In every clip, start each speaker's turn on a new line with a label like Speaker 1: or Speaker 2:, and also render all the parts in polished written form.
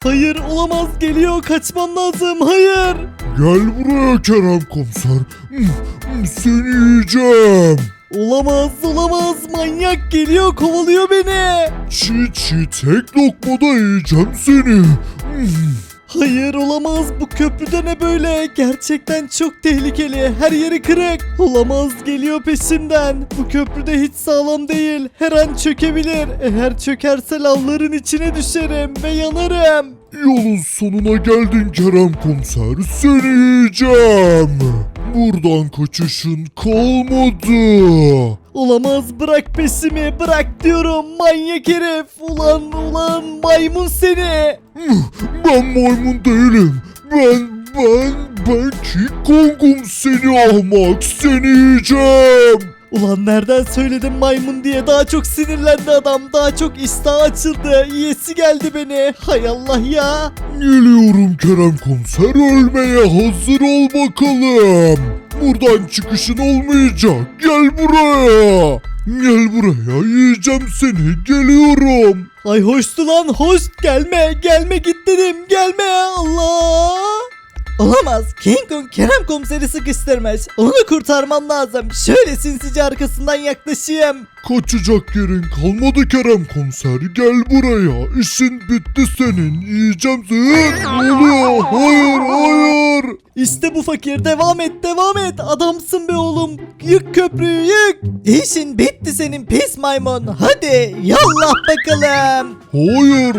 Speaker 1: Hayır olamaz, geliyor, kaçmam lazım, hayır.
Speaker 2: Gel buraya Kerem komiser. Seni yiyeceğim.
Speaker 1: Olamaz, manyak geliyor, kovalıyor beni.
Speaker 2: Çiğ tek lokmada yiyeceğim seni.
Speaker 1: Hayır olamaz, bu köprüde ne böyle, gerçekten çok tehlikeli, her yeri kırık. Olamaz, geliyor peşimden. Bu köprüde hiç sağlam değil, her an çökebilir. Eğer çökerse lavların içine düşerim ve yanarım.
Speaker 2: Yolun sonuna geldin Kerem komiser. Seni yiyeceğim. Buradan kaçışın kalmadı.
Speaker 1: Olamaz, bırak peşimi, bırak diyorum, manyak herif. Ulan maymun seni.
Speaker 2: Ben maymun değilim. Ben King Kong'um, seni ahmak. Seni yiyeceğim.
Speaker 1: Ulan nereden söyledim maymun diye, daha çok sinirlendi adam, daha çok iştahı açıldı, yiyesi geldi beni. Hay Allah ya.
Speaker 2: Geliyorum Kerem komiser, ölmeye hazır ol bakalım. Buradan çıkışın olmayacak. Gel buraya. Gel buraya, yiyeceğim seni. Geliyorum.
Speaker 1: Ay hoştu lan, hoş, gelme git dedim, gelme, Allah. Olamaz, King Kong Kerem komiseri sıkıştırmış, onu kurtarmam lazım. Şöyle sinsice arkasından yaklaşayım.
Speaker 2: Kaçacak yerin kalmadı Kerem komiser. Gel buraya. İşin bitti senin. Yiyeceğim seni. Ne oluyor? Hayır.
Speaker 1: İşte bu fakir, devam et, adamsın be oğlum, yık köprüyü, yık. İşin bitti senin pis maymun, hadi yallah bakalım.
Speaker 2: Hayır.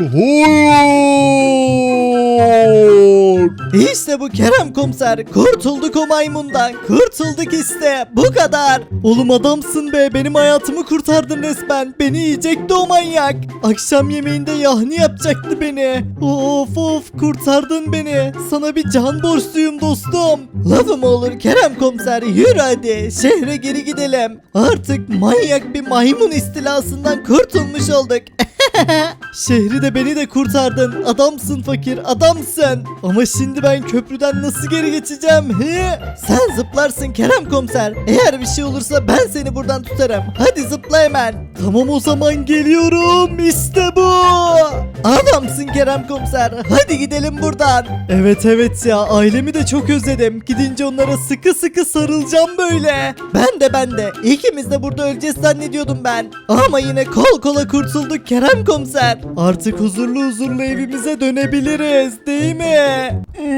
Speaker 1: İşte bu Kerem komiser, kurtulduk o maymundan, kurtulduk işte, bu kadar. Oğlum adamsın be, benim hayatımı kurtardın resmen, beni yiyecekti o manyak. Akşam yemeğinde yahni yapacaktı beni. Of kurtardın beni, sana bir can borçluyum dostum. Lafım olur Kerem komiser, yürü hadi şehre geri gidelim. Artık manyak bir maymun istilasından kurtulmuş olduk. Şehri de beni de kurtardın. Adamsın fakir, adamsın. Ama şimdi ben köprüden nasıl geri geçeceğim? He? Sen zıplarsın Kerem komiser. Eğer bir şey olursa ben seni buradan tutarım. Hadi zıpla hemen. Tamam o zaman, geliyorum. İşte bu. Adamsın Kerem komiser. Hadi gidelim buradan. Evet ya, ailemi de çok özledim. Gidince onlara sıkı sıkı sarılacağım böyle. Ben de. İkimiz de burada öleceğiz zannediyordum ben. Ama yine kol kola kurtulduk Kerem komiser. Artık huzurlu evimize dönebiliriz, değil mi?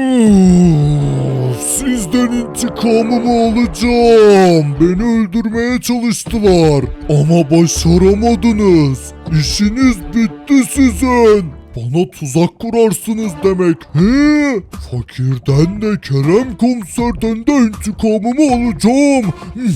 Speaker 2: Sizden intikamımı alacağım. Beni öldürmeye çalıştılar. Ama başaramadınız. İşiniz bitti sizin. Bana tuzak kurarsınız demek. He? Fakirden de Kerem komiserden de intikamımı alacağım.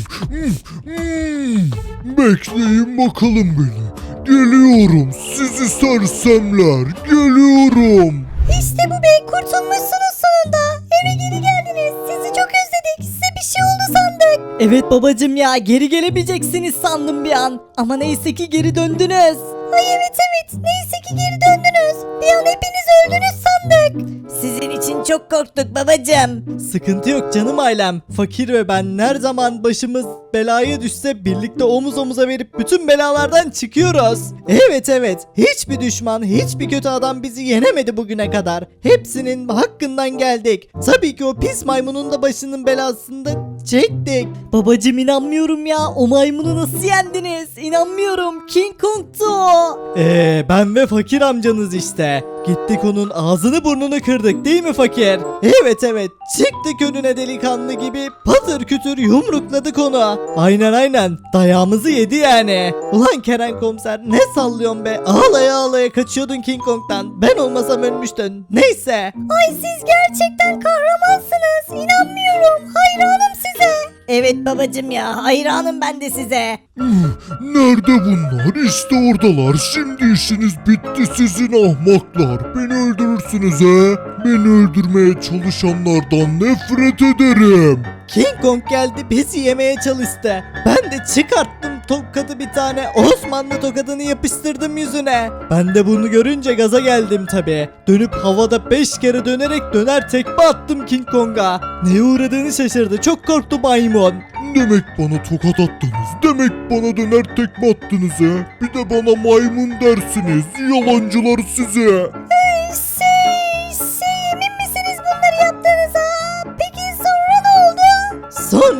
Speaker 2: Bekleyin bakalım beni. Geliyorum sizi sersemler. Geliyorum.
Speaker 3: İşte bu bey, kurtulmuşsunuz sonunda. Eve geri geldiniz. Sizi çok özledik. Size bir şey oldu sandık.
Speaker 1: Evet babacım ya, geri gelemeyeceksiniz sandım bir an. Ama neyse ki geri döndünüz.
Speaker 3: Ay evet. Neyse ki geri döndünüz. Bir an hepiniz öldünüz sandık. Sizin için çok korktuk babacığım.
Speaker 1: Sıkıntı yok canım ailem. Fakir ve ben her zaman başımız belaya düşse birlikte omuz omuza verip bütün belalardan çıkıyoruz. Evet. Hiçbir düşman, hiçbir kötü adam bizi yenemedi bugüne kadar. Hepsinin hakkından geldik. Tabii ki o pis maymunun da başının belasını da çektik. Babacım inanmıyorum ya. O maymunu nasıl yendiniz? İnanmıyorum. King Kong'tu o. Ben ve fakir amcanız işte. Gittik onun ağzını burnunu kırdık, değil mi fakir? Evet. Çıktık önüne delikanlı gibi patır kütür yumrukladık onu. Aynen. Dayağımızı yedi yani. Ulan Kerem komiser, ne sallıyorsun be? Ağlaya kaçıyordun King Kong'dan. Ben olmasam ölmüştün. Neyse.
Speaker 3: Ay siz gerçekten kahramansınız. İnanmıyorum. Hayranım size. Evet babacığım ya, hayranım ben de size.
Speaker 2: Nerede bunlar? İşte oradalar. Şimdi işiniz bitti sizin ahmaklar. Beni öldürürsünüz he. Beni öldürmeye çalışanlardan nefret ederim.
Speaker 1: King Kong geldi, bizi yemeye çalıştı. Ben de çıkarttım tokadı, bir tane Osmanlı tokadını yapıştırdım yüzüne. Ben de bunu görünce gaza geldim tabi. Dönüp havada 5 kere dönerek döner tekme attım King Kong'a. Neye uğradığını şaşırdı, çok korktu maymun.
Speaker 2: Demek bana tokat attınız. Demek bana döner tekme attınız he. Bir de bana maymun dersiniz. Yalancılar size.
Speaker 3: Siz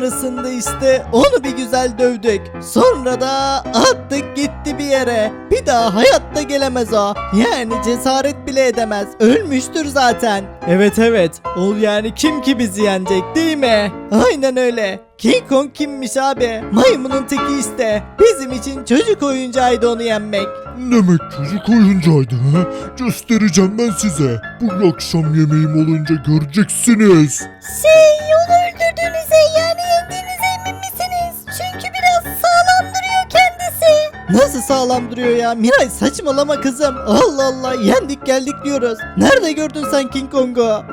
Speaker 1: Sonrasında işte onu bir güzel dövdük. Sonra da attık gitti bir yere. Bir daha hayatta gelemez o. Yani cesaret bile edemez. Ölmüştür zaten. Evet evet. O yani kim ki bizi yenecek değil mi? Aynen öyle. King Kong kimmiş abi? Maymunun teki işte. Bizim için çocuk oyuncağıydı onu yenmek.
Speaker 2: Demek çocuk oyuncağıydı ha? Göstereceğim ben size. Bu akşam yemeğim olunca göreceksiniz.
Speaker 3: Onu öldürdüğünüze yani yendiğinize emin misiniz? Çünkü biraz sağlam duruyor kendisi.
Speaker 1: Nasıl sağlam duruyor ya? Miray saçmalama kızım. Allah Allah yendik geldik diyoruz. Nerede gördün sen King Kong'u?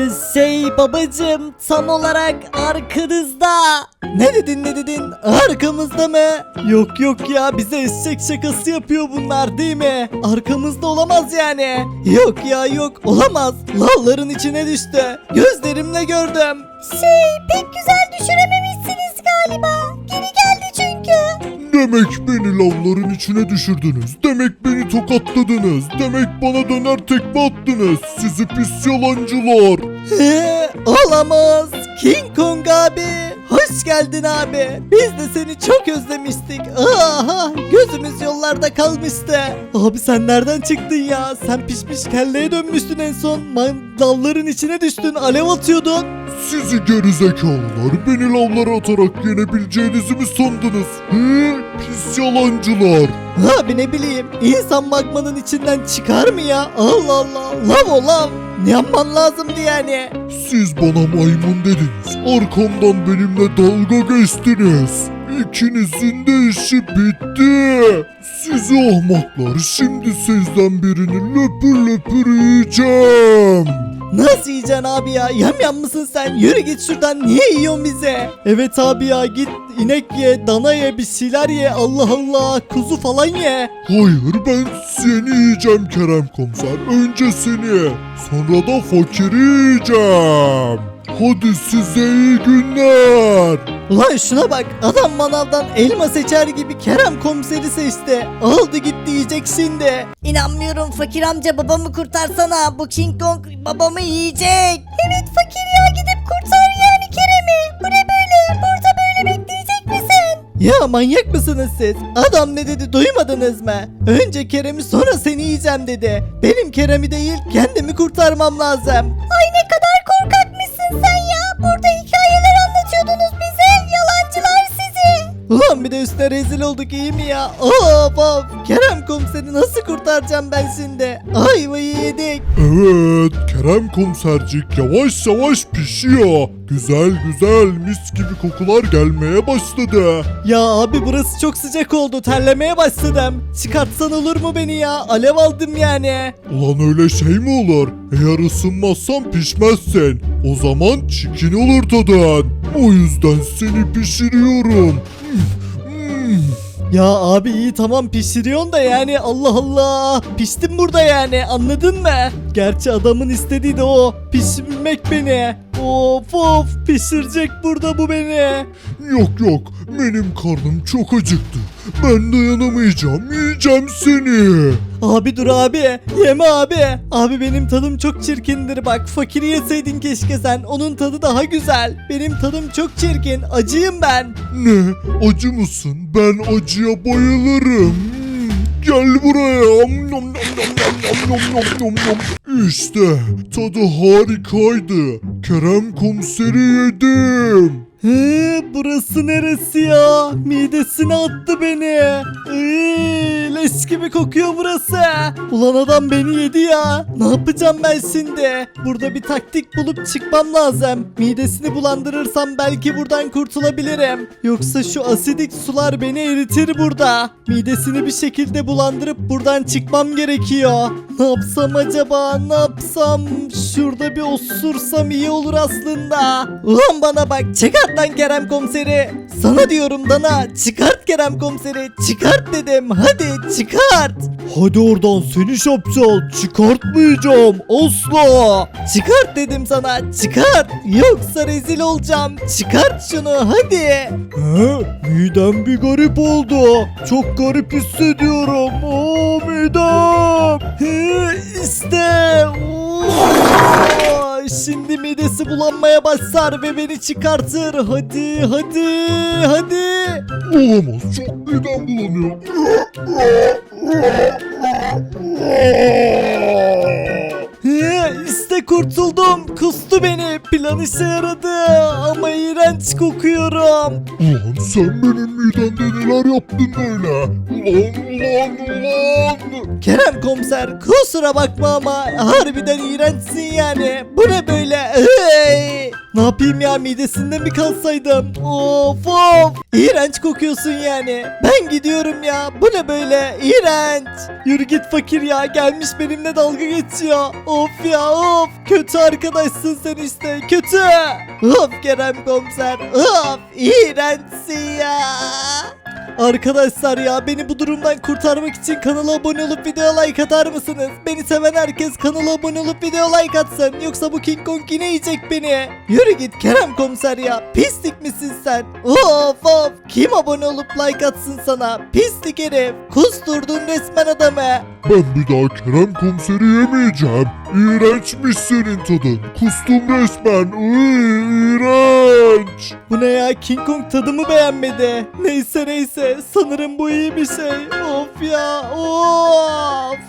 Speaker 1: Babacım tam olarak arkanızda. Ne dedin? Arkamızda mı? Yok ya bize eşek şakası yapıyor bunlar değil mi? Arkamızda olamaz yani. Yok ya yok olamaz. Lavların içine düştü. Gözlerimle gördüm.
Speaker 3: Pek güzel düşürememişsiniz galiba. Geri geldi çünkü.
Speaker 2: Demek beni lavların içine düşürdünüz. Demek beni tokatladınız. Demek bana döner tekme attınız. Sizi pis yalancılar.
Speaker 1: Olamaz. King Kong abi. Hoş geldin abi. Biz de seni çok özlemiştik. Aha, gözümüz yollarda kalmıştı. Abi sen nereden çıktın ya? Sen pişmiş kelleye dönmüştün en son. Dalların içine düştün. Alev atıyordun.
Speaker 2: Sizi gerizekalılar beni lavlara atarak yenebileceğinizi mi sandınız? Pis yalancılar.
Speaker 1: Abi ne bileyim. İnsan magmanın içinden çıkar mı ya? Allah Allah. Lav o lav. Ne yapman lazımdı yani?
Speaker 2: Siz bana maymun dediniz. Arkamdan benimle dalga geçtiniz. İkinizin de işi bitti. Sizi ahmaklar, şimdi sizden birini löpür löpür yiyeceğim.
Speaker 1: Nasıl yiyeceksin abi ya? Yamyam mısın sen? Yürü git şuradan. Niye yiyorsun bize? Evet abi ya git inek ye, dana ye, bir şeyler ye. Allah Allah. Kuzu falan ye.
Speaker 2: Hayır, ben seni yiyeceğim Kerem Komiser. Önce seni, sonra da fakiri yiyeceğim. Hadi size iyi günler.
Speaker 1: Ulan şuna bak. Adam manavdan elma seçer gibi Kerem komiseri seçti. Aldı gitti yiyecek şimdi.
Speaker 3: İnanmıyorum fakir amca, babamı kurtarsana. Bu King Kong babamı yiyecek. Evet fakir ya, gidip kurtar yani Kerem'i. Bu ne böyle? Burada böyle bekleyecek misin?
Speaker 1: Ya manyak mısınız siz? Adam ne dedi duymadınız mı? Önce Kerem'i sonra seni yiyeceğim dedi. Benim Kerem'i değil kendimi kurtarmam lazım.
Speaker 3: Ay ne kadar korkakmışsın sen ya. Burada hikayeler anlatıyordunuz bize. Yalancılar sizi.
Speaker 1: Ulan bir de üstüne rezil olduk iyi mi ya? Of. Kerem komiseri nasıl kurtaracağım ben şimdi? Ayvayı yedik.
Speaker 2: Evet, Kerem Komisercik yavaş yavaş pişiyor. Güzel güzel mis gibi kokular gelmeye başladı.
Speaker 1: Ya abi burası çok sıcak oldu. Terlemeye başladım. Çıkartsan olur mu beni ya? Alev aldım yani.
Speaker 2: Ulan öyle şey mi olur? Eğer ısınmazsan pişmezsin. O zaman çikin olur tadın. O yüzden seni pişiriyorum.
Speaker 1: Ya abi iyi tamam pişiriyorsun da yani Allah Allah. Piştim burada yani anladın mı? Gerçi adamın istediği de o. Pişirmek beni. Of pişirecek burada bu beni.
Speaker 2: Yok benim karnım çok acıktı. Ben dayanamayacağım, yiyeceğim seni.
Speaker 1: Abi dur abi. Yeme abi. Abi benim tadım çok çirkindir bak. Fakiri yeseydin keşke sen. Onun tadı daha güzel. Benim tadım çok çirkin. Acıyım ben.
Speaker 2: Ne? Acı mısın? Ben acıya bayılırım. Gel buraya. İşte tadı harikaydı. Kerem Komiseri yedim.
Speaker 1: Burası neresi ya? Midesine attı beni. Leş gibi kokuyor burası. Ulan adam beni yedi ya. Ne yapacağım ben şimdi? Burada bir taktik bulup çıkmam lazım. Midesini bulandırırsam belki buradan kurtulabilirim. Yoksa şu asidik sular beni eritir burada. Midesini bir şekilde bulandırıp buradan çıkmam gerekiyor. Ne yapsam acaba? Ne yapsam? Şurada bir osursam iyi olur aslında. Ulan bana bak çıkart lan Kerem komiseri. Sana diyorum Dana çıkart Kerem komiseri. Çıkart dedim hadi çıkart.
Speaker 2: Hadi oradan seni şapşal. Çıkartmayacağım asla.
Speaker 1: Çıkart dedim sana çıkart. Yoksa rezil olacağım. Çıkart şunu hadi.
Speaker 2: Midem bir garip oldu. Çok garip hissediyorum. Midem.
Speaker 1: İşte. Şimdi midem midesi bulanmaya başlar ve beni çıkartır. Hadi hadi hadi.
Speaker 2: Olamaz, çok midem bulanıyor.
Speaker 1: İşte kurtuldum. Kustu beni. Plan işe yaradı. Ama iğrenç kokuyorum.
Speaker 2: Ulan sen benim midemde neler yaptın böyle? Ulan.
Speaker 1: Kerem komiser kusura bakma ama harbiden iğrençsin yani. Bu ne böyle? Ne yapayım ya, midesinde mi kalsaydım? Of of. İğrenç kokuyorsun yani. Ben gidiyorum ya. Bu ne böyle? İğrenç. Yürü git fakir ya. Gelmiş benimle dalga geçiyor. Of ya of. Kötü arkadaşsın sen işte. Kötü. Of Kerem komiser. Of. İğrençsin ya. Arkadaşlar ya, beni bu durumdan kurtarmak için kanala abone olup video like atar mısınız? Beni seven herkes kanala abone olup video like atsın. Yoksa bu King Kong yine yiyecek beni. Yürü git Kerem komiser ya. Pislik misin sen? Of of. Kim abone olup like atsın sana? Pislik herif. Kusturdun resmen adamı.
Speaker 2: Ben bir daha Kerem komiseri yemeyeceğim. İğrençmiş senin tadın. Kustum resmen. İğrenç.
Speaker 1: Bu ne ya, King Kong tadımı beğenmedi. Neyse sanırım bu iyi bir şey. Of ya of.